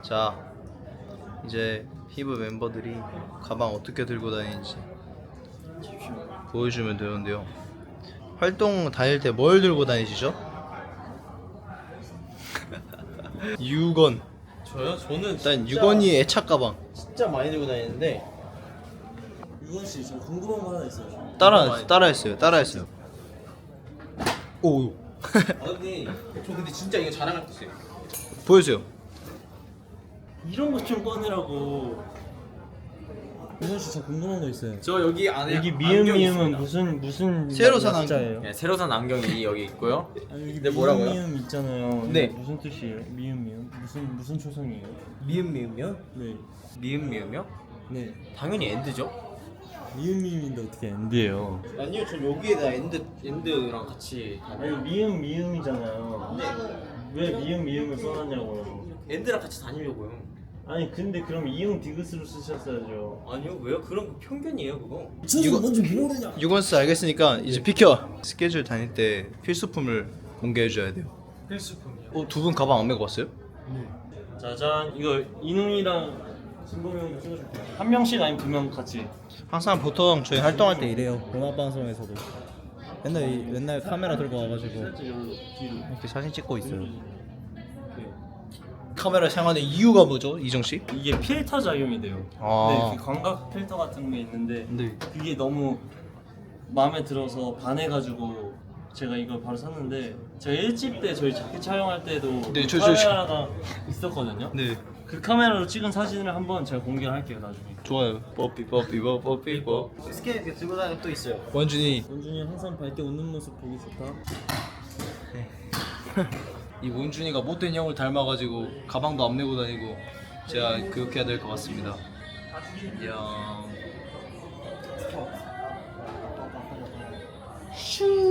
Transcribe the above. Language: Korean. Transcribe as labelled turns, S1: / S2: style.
S1: 자, 이제 히브 멤버들이 가방 어떻게 들고 다니는지 보여주면 되는데요. 활동 다닐 때 뭘 들고 다니시죠? 유건.
S2: 저요? 저는
S1: 일단 유건이 애착 가방.
S2: 진짜 많이 들고 다니는데. 유건 씨, 저 궁금한 거 하나 있어요.
S1: 따라했어요. 오.
S2: 아 근데 진짜 이거 자랑할 게 있어요.
S1: 보여주세요.
S2: 이런 것 좀 꺼내라고. 유건 씨, 저 궁금한 거 있어요.
S3: 저 여기 안에
S4: 여기
S3: 안경이
S4: 미음은
S3: 있습니다.
S4: 무슨
S1: 새로 산
S4: 약자예요?
S3: 네, 새로 산 안경이 여기 있고요.
S4: 아니, 여기
S3: 네, 뭐라고요?
S4: 미음 있잖아요.
S3: 네.
S4: 이게 무슨 뜻이에요? 미음 무슨 초성이에요?
S3: 미음미음이요?
S4: 네.
S3: 미음미음이요?
S4: 네.
S3: 당연히 엔드죠.
S4: 미음인데 어떻게 엔드예요?
S2: 아니요, 전 여기에다
S3: 엔드랑 같이
S4: 아니 미음이잖아요. 왜 미음을 써놨냐고요?
S3: 엔드랑 같이 다니려고요.
S4: 아니 근데 그럼 이응 디귿으로 쓰셨어야죠.
S3: 아니요, 왜요? 그런 거 편견이에요, 그거.
S2: 먼저 모르냐?
S1: 유건스 알겠으니까 이제 비켜. 스케줄 다닐 때 필수품을 공개해줘야 돼요.
S3: 필수품이요.
S1: 두 분 가방 안 메고 왔어요?
S4: 짜잔, 이거 이능이랑 진범이 형도 찍어줄게요. 한 명씩 아니면 두 명 같이.
S1: 항상 보통 저희 활동할 때
S5: 이래요. 음악 방송에서도 맨날 카메라 들고 와가지고
S4: 살짝 여기로 뒤로.
S1: 이렇게 사진 찍고 있어요.
S4: 이렇게.
S1: 카메라 사용하는 이유가 뭐죠, 이정 씨?
S4: 이게 필터 작용이 돼요.
S1: 아.
S4: 네, 그 광각 필터 같은 게 있는데
S1: 네.
S4: 그게 너무 마음에 들어서 반해가지고 제가 이걸 바로 샀는데 제가 1집 때 저희 자켓 촬영할 때도
S1: 네,
S4: 그
S1: 저-
S4: 카메라가 있었거든요.
S1: 네.
S4: 그 카메라로 찍은 사진을 한번 제가 공개를 할게요 나중에.
S1: 좋아요. 뽀삐.
S2: 스케일 들고 다니는 거 또 있어요.
S1: 원준이.
S4: 원준이 항상 밝게 웃는 모습 보기 좋다.
S1: 이 원준이가 못된 형을 닮아가지고 가방도 안 메고 다니고 제가 교육해야 될 것 같습니다. 야. 슈.